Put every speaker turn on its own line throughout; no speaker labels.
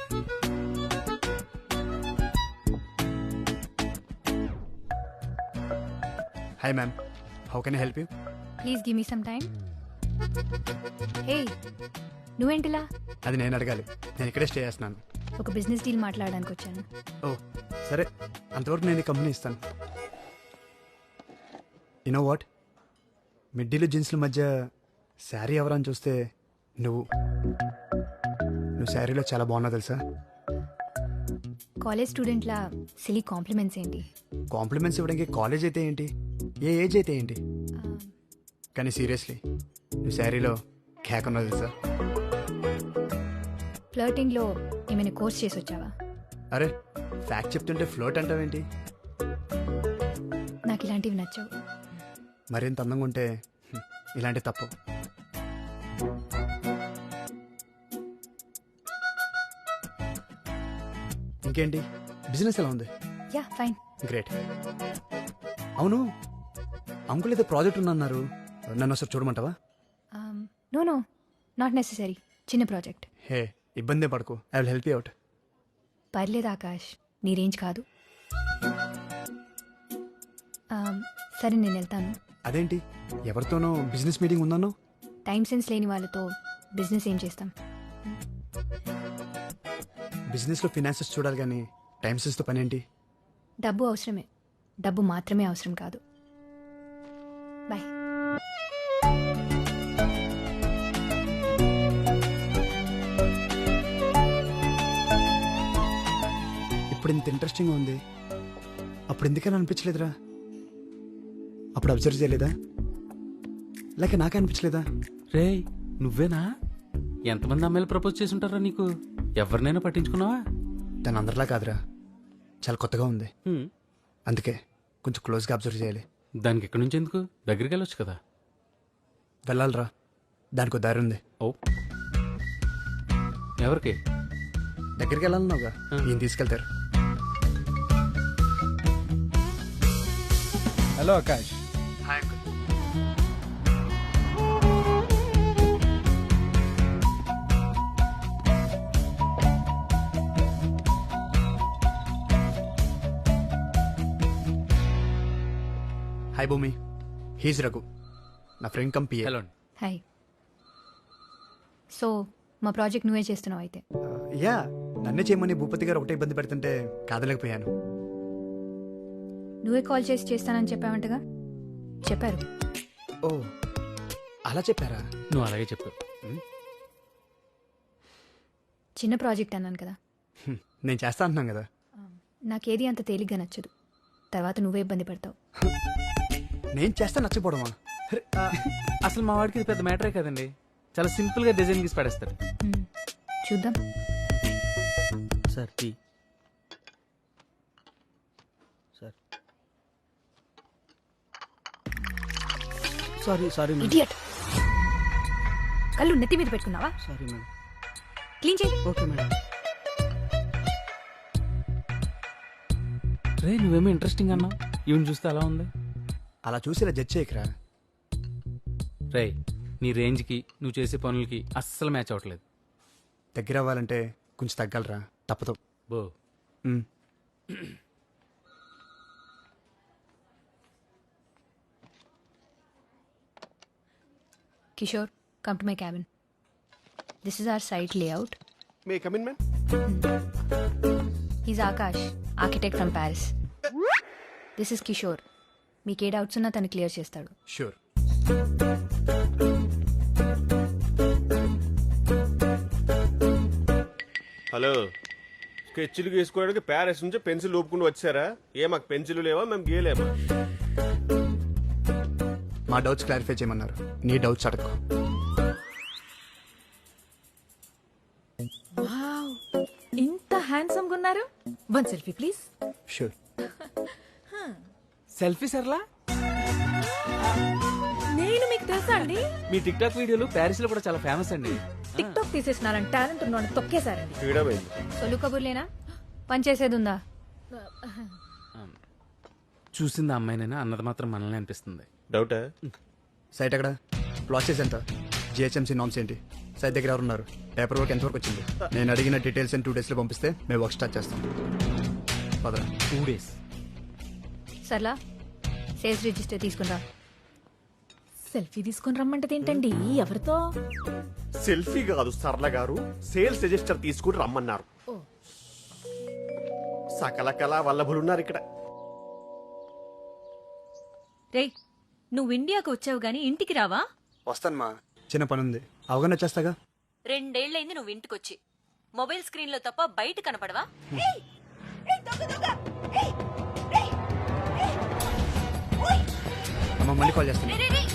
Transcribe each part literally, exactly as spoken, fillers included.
Hi ma'am, how can I help you?
Please give me some time. Hey, నువ్వేంటిలా?
అది నేను అడగాలి, నేను ఇక్కడే స్టే చేస్తున్నాను.
ఒక బిజినెస్ డీల్ మాట్లాడడానికి వచ్చాను.
ఓ సరే, అంతవరకు నేను ఈ కంపెనీ ఇస్తాను. యూనో వాట్, మిడ్డీలు జీన్స్ల మధ్య శారీ ఎవరని చూస్తే నువ్వు నువ్వు శారీలో చాలా బాగున్నావు తెలుసా.
కాలేజ్ స్టూడెంట్లా సిలీ కాంప్లిమెంట్స్ ఏంటి?
కాంప్లిమెంట్స్ ఇవ్వడానికి కాలేజ్ అయితే ఏంటి, ఏ ఏజ్ అయితే ఏంటి, కానీ సీరియస్లీ నువ్వు శారీలో క్యాక్ ఉన్నావు తెలుసా.
ఫ్లర్టింగ్లో ఏమైనా కోర్స్ చేసి వచ్చావా?
అరే ఫ్యాక్ట్ చెప్తుంటే ఫ్లోట్ అంటావేంటి?
నాకు ఇలాంటివి నచ్చవు.
మరింత అందంగా ఉంటే హ్మ్, ఇలాంటి తప్పు. ఇంకేంటి, బిజినెస్ ఎలా ఉంది?
Yeah fine.
గ్రేట్. అవును, అంకుల్ ఏదో ప్రాజెక్ట్ ఉందన్నారు, నన్ను ఒకసారి చూడమంటావా?
నో నో నాట్ నెసెసరీ, చిన్న ప్రాజెక్ట్.
హే ఇబ్బందే పడకు, I will help you out.
పర్లేదు ఆకాష్, నీ రేంజ్ కాదు. Um, సరే నేను వెళ్తాను.
అదేంటి, ఎవరితోనో బిజినెస్ మీటింగ్ ఉందన్నో?
టైం సెన్స్ లేని వాళ్ళతో బిజినెస్ ఏం చేస్తాం?
బిజినెస్లో ఫినాన్సెస్ చూడాలి కానీ టైం సెన్స్తో పని ఏంటి?
డబ్బు అవసరమే, డబ్బు మాత్రమే అవసరం కాదు. బాయ్.
ఇప్పుడు ఇంత ఇంట్రెస్టింగ్ ఉంది, అప్పుడు ఎందుకని అనిపించలేదురా? అప్పుడు అబ్జర్వ్ చేయలేదా, లేక నాకే అనిపించలేదా?
రే నువ్వేనా? ఎంతమంది అమ్మాయిలు ప్రపోజ్ చేసి ఉంటారా నీకు? ఎవరినైనా పట్టించుకున్నావా?
తను అందరిలా కాదురా, చాలా కొత్తగా ఉంది,
హ్మ్.
అందుకే కొంచెం క్లోజ్గా అబ్జర్వ్ చేయాలి.
దానికి ఎక్కడి నుంచి ఎందుకు, దగ్గరికి వెళ్ళొచ్చు కదా.
వెళ్ళాలిరా, దానికి ఒక దారి ఉంది.
ఓ ఎవరికి?
దగ్గరికి వెళ్ళాలన్నావుగా, ఈయన తీసుకెళ్తారు.
Hello Akash.
Hi uncle. Hi Bhumi, he's Raghu, నా friend cum PA.
Hello.
Hi. So మా ప్రాజెక్ట్ నువ్వే చేస్తున్నావు అయితే?
యా, నన్నే చేయమని భూపతి గారు ఒకటే ఇబ్బంది పెడుతుంటే కాదలేకపోయాను.
నువ్వే కాల్ చేసి చేస్తానని చెప్పావంటగా? చెప్పారు.
ఓ అలా చెప్పారా?
నువ్వు అలాగే చెప్పు.
చిన్న ప్రాజెక్ట్ అన్నాను కదా.
హ్మ్, నేను చేస్తా అంటున్నాను కదా.
నాకేది అంత తేలిగ్గా నచ్చదు, తర్వాత నువ్వే ఇబ్బంది పడతావు.
నేను చేస్తా నచ్చపోవడమా?
అసలు మా వాడికి ఇది పెద్ద మ్యాటరే కదండి, చాలా సింపుల్ గా డిజైన్ గీసి పడేస్తాడు.
హ్మ్, చూద్దాం.
Sir tea. Sir sorry sorry
idiot, కళ్ళు నెత్తి మీద పెట్టుకున్నావా?
Sorry madam.
క్లీన్ చేయి.
Okay madam. రే నువ్వేమో ఇంట్రెస్టింగ్ అన్నావు, ఈవెన్ చూస్తే అలా ఉంది.
అలా చూసి ఇలా జడ్జ్ చేయకరా.
రే నీ రేంజ్కి నువ్వు చేసే పనులకి అస్సలు మ్యాచ్ అవ్వట్లేదు.
దగ్గర అవ్వాలంటే కొంచెం తగ్గలరా, తప్పదు.
బో
మ్.
Kishore, come to my cabin. This is our site layout.
May I come in, ma'am?
He's Akash, architect from Paris. This is Kishore. మీకు ఏ డౌట్స్ ఉన్నా తను క్లియర్ చేస్తాడు.
షూర్.
హలో, స్కెచ్లు గీసుకోవడానికి ప్యారిస్ నుంచి పెన్సిల్ ఊపుకుంటూ వచ్చారా? ఏ మాకు పెన్సిల్ లేవా, మేము గీయలేమా?
మా డౌట్స్ క్లారిఫై చేయమన్నారు, నీ డౌట్స్ అడగకు.
వావ్, ఇంత హ్యాండ్సమ్ గా ఉన్నారు. One selfie please.
Sure.
Selfie Sarla?
నేను మీకు తెలుసా అండి?
మీ టిక్ టాక్ వీడియోలు ప్యారిస్ లో కూడా చాలా ఫేమస్ అండి.
టిక్ టాక్ తీసేసినారని టాలెంట్ ఉన్నాను తొక్కేశారండి.
ఫ్రీడమ్ అయింది.
సొల్లు కబుర్లేనా, పని చేసేది ఉందా?
చూసింది అమ్మాయినైనా అన్నది మాత్రం మనల్ని అనిపిస్తుంది.
డౌటా?
సైట్ ఎక్కడ, ప్రాసెస్ ఎంత, జిహెచ్ఎంసీ నామ్స్ ఏంటి? సైట్ దగ్గర ఎవరు ఉన్నారు? పేపర్ వర్క్ ఎంతవరకు వచ్చింది? నేను అడిగిన డీటెయిల్స్ టూ డేస్లో పంపిస్తే మేము వర్క్ స్టార్ట్ చేస్తాం. పదరా.
Two days
Sarla sales register తీసుకుందా.
సెల్ఫీ తీసుకొని రమ్మంటది ఏంటండి? ఎవరితో?
సెల్ఫీ కాదు సరళ గారు, సేల్స్ రిజిస్టర్ తీసుకుని రమ్మన్నారు. సకల కళా వల్లభులున్నారు ఇక్కడ.
రేయ్ నువ్వు ఇండియాకు వచ్చావు గాని ఇంటికి రావా?
వస్తాను మా, చిన్న పని ఉంది, అవగానే వచ్చేస్తాగా.
రెండేళ్లైంది నువ్వు ఇంటికొచ్చి. మొబైల్ స్క్రీన్ లో తప్ప బయట కనపడవా?
అమ్మ మళ్ళీ కాల్ చేస్తాను.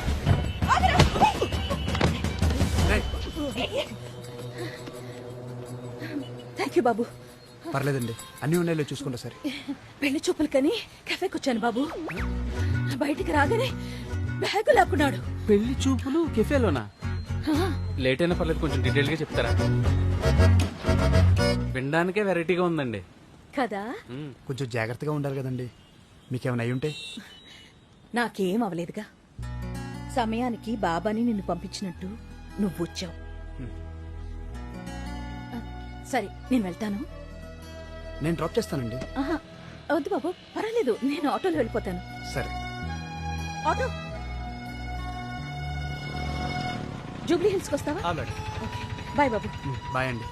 రేయ్,
థ్యాంక్ యూ బాబు.
పర్లేదండి, అన్ని ఉన్నాయో చూసుకుంటా సరే.
పెళ్లి చూపులు కని కెఫేకి వచ్చాను బాబు. బయటికి రాగానే బ్యాగు లాక్కున్నాడు.
పెళ్లి చూపులు కెఫేలోనా? లేట్ అయినా పర్లేదు, కొంచెం డీటెయిల్ గా చెప్తారా? వినడానికే వెరైటీగా ఉందండి.
కదా,
మ్మ్.
కొంచెం జాగ్రత్తగా ఉండాలి కదండి. మీకేమైనా అయి ఉంటే?
నాకేం అవలేదుగా. సమయానికి బాబాని నిన్ను పంపించినట్టు నువ్వు వచ్చావు. సరే నేను వెళ్తాను.
నేను డ్రాప్ చేస్తానండి.
ఆహా, వద్దు బాబు, పర్వాలేదు, నేను ఆటోలో వెళ్ళిపోతాను.
సరే.
ఆటో జూబ్లీ హిల్స్కి వస్తావా?
మేడం.
ఓకే, బాయ్ బాబు.
బాయ్ అండి.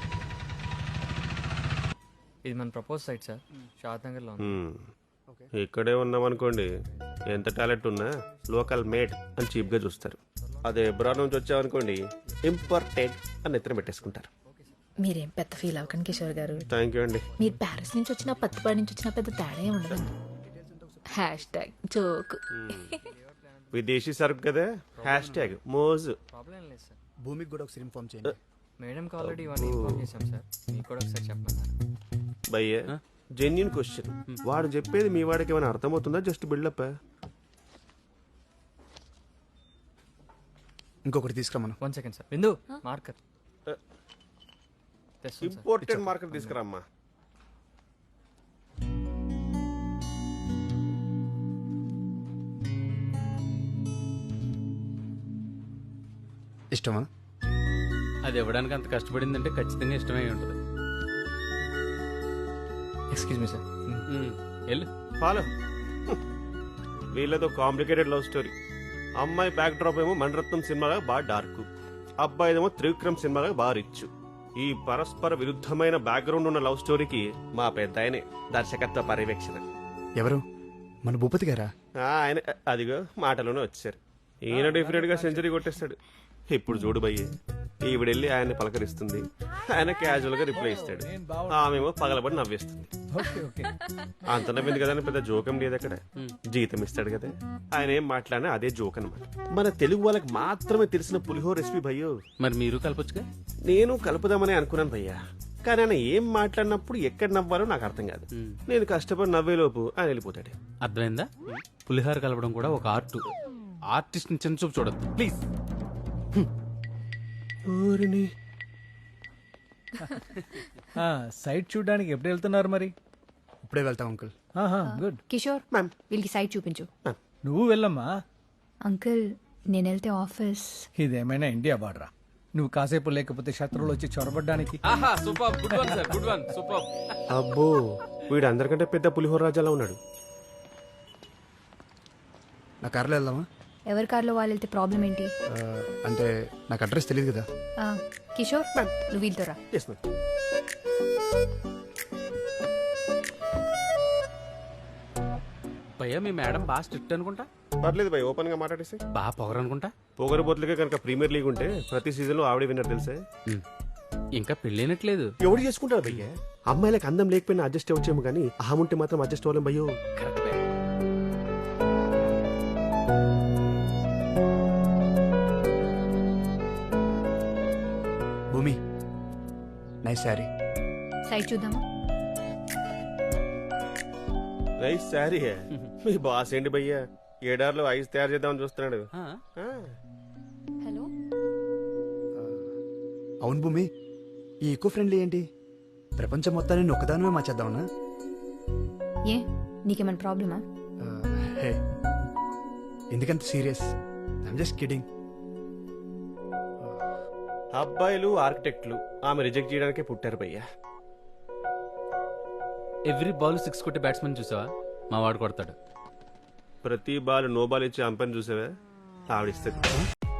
ఇది మన propose site sir, Shad Nagar లో ఉంది.
హ్మ్. ఇక్కడే ఉన్నాం అనుకోండి, ఎంత టాలెంట్ ఉన్నా లోకల్ మేడ్ అని చీప్ గా చూస్తారు. అదే ఎబ్రాడ్ నుంచి వచ్చామనుకోండి, ఇంపార్టెంట్ అని ఎత్తున పెట్టేసుకుంటారు.
మీరేం పెద్ద ఫీల్ అవ్వకండి కిషోర్ గారు.
థ్యాంక్ యూ అండి.
మీరు ప్యారిస్ నుంచి వచ్చినా పత్తిపాడి నుంచి వచ్చినా పెద్ద తేడా ఏం ఉండదండి. Hash tag joke.
విదేశీ సరుకు కదా, హ్యాష్ ట్యాగ్ మోజు.
ప్రాబ్లం ఏం లేదు సార్,
భూమికి కూడా ఒకసారి ఇన్ఫార్మ్ చేయండి.
మేడంకి ఆల్రెడీ ఇవన్నీ ఇన్ఫార్మ్ చేశాం సార్, మీకు కూడా ఒకసారి చెప్పమన్నారు.
భయ్య జెన్యున్ క్వశ్చన్, వాడు చెప్పేది మీ వాడికి ఏమైనా అర్థమవుతుందా? Just buildup.
ఇంకొకటి తీసుకురమ్మను.
One second sir, Bindu marker తెస్తాను సార్.
ఇంపార్టెంట్ మార్కెట్ తీసుకురామ్మా.
ఇష్టమా?
అది ఇవ్వడానికి అంత కష్టపడిందంటే ఖచ్చితంగా ఇష్టమై ఉంటుంది.
Excuse me sir.
మ్మ్. వెళ్ళు.
ఫాలో. వీళ్ళతో కాంప్లికేటెడ్ లవ్ స్టోరీ. అమ్మాయి బ్యాక్ డ్రాప్ ఏమో మణరత్నం సినిమాగా బాగా డార్క్, అబ్బాయిదేమో త్రివిక్రమ్ సినిమాగా బాగా రిచ్. ఈ పరస్పర విరుద్ధమైన బ్యాక్గ్రౌండ్ ఉన్న లవ్ స్టోరీకి మా పెద్ద ఆయనే దర్శకత్వ పర్యవేక్షణ.
ఎవరు? మన భూపతి గారా?
ఆ, ఆయన అదిగో మాటలోనే వచ్చారు. ఈయన డెఫినెట్ గా సెంచరీ కొట్టేస్తాడు. ఇప్పుడు చూడు భయ్యే, ఈవిడెళ్ళి ఆయన్ని పలకరిస్తుంది, ఆయన క్యాజువల్ గా రిప్లై ఇస్తాడు, ఆమెమో పగలబడి నవ్వేస్తుంది. అంత నవ్వింది కదా అని పెద్ద జోకం లేదు అక్కడ, జీతం ఇస్తాడు కదా. ఆయన ఏం మాట్లాడినా అదే జోక్ అనమాట. మన తెలుగు వాళ్ళకి మాత్రమే తెలిసిన పులిహోర రెసిపీ భయ్యో.
మరి మీరు కలపొచ్చుగా.
నేను కలుపుదామని అనుకున్నాను భయ్యా, కానీ ఆయన ఏం మాట్లాడినప్పుడు ఎక్కడ నవ్వాలో నాకు అర్థం కాదు. నేను కష్టపడి నవ్వేలోపు ఆయన వెళ్ళిపోతాడు.
అర్థమైందా? పులిహార కలపడం కూడా ఒక ఆర్ట్. ఆర్టిస్ట్ ని చిన్న చూపు చూడద్దు ప్లీజ్.
సైట్ చూడడానికి ఎప్పుడు వెళ్తున్నారు మరి?
ఇప్పుడే వెళ్తాం అంకుల్.
గుడ్.
కిషోర్
మ్యామ్.
వీళ్ళకి సైట్ చూపించు.
నువ్వు వెళ్ళమ్మా.
అంకుల్ నేను వెళ్తే ఆఫీస్.
ఇదేమైనా ఇండియా బార్డరా? నువ్వు కాసేపు లేకపోతే శత్రువులు వచ్చి చొరబడ్డానికి.
ఆహా super, good one sir, good one, super.
అబ్బో, వీడు అందరికంటే పెద్ద పులిహోర రాజాలా ఉన్నాడు.
నా కార్లో వెళ్దామా?
ఎవరి కార్లో వాళ్ళు వెళ్తే ప్రాబ్లం ఏంటి?
ఆ, అంటే నాకు అడ్రస్ తెలియదు కదా.
ఆ, కిషోర్ నువ్వు వీళ్ళతో రా.
Yes, ma'am.
భయ్యా మీ మేడం బాగా స్ట్రిక్ట్ అనుకుంటా.
పర్లేదు భయ్, ఓపెన్ గా మాట్లాడేసి.
బాగా పొగరు అనుకుంటా.
పొగరబోతులకే కనుక ప్రీమియర్ లీగ్ ఉంటే ప్రతి సీజన్ లో ఆవిడే విన్నర్ తెలుసా?
మ్మ్. ఇంకా పెళ్ళైనట్లేదు.
ఎవడు చేసుకుంటాడు భయ్య? అమ్మాయిలకు అందం లేకపోయినా అడ్జస్ట్ అవ్వచ్చేమో కానీ అహం ఉంటే మాత్రం అడ్జస్ట్ అవ్వలేం భయ్యో.
కరెక్టే.
భూమి, నైస్ శారీ.
సైట్ చూద్దామా?
నైస్ శారీ. మీ బాస్ ఏంటి భయ్య ఏడార్లో ఐస్ తయారు చేద్దామని చూస్తున్నాడు.
ఆ,
ఆ,
హలో.
అవును భూమి, ఈ ఈకో ఫ్రెండ్లీ ఏంటి? ప్రపంచం మొత్తాన్ని నేను ఒక్కదానమే మార్చేద్దామన్నా?
ఏ నీకేమైనా ప్రాబ్లమా?
ఆ, హే, ఎందుకంత సీరియస్? I'm just kidding.
అబ్బాయిలు ఆర్కిటెక్ట్లు ఆమె రిజెక్ట్ చేయడానికే పుట్టారు భయ్యా.
ఎవ్రీ బాల్ సిక్స్ కొట్టే బ్యాట్స్మెన్ చూసావా? మా వాడు కొడతాడు.
ప్రతి బాల్ నో బాల్ ఇచ్చి అంపని చూసావా? ఆవిడిస్తుంది.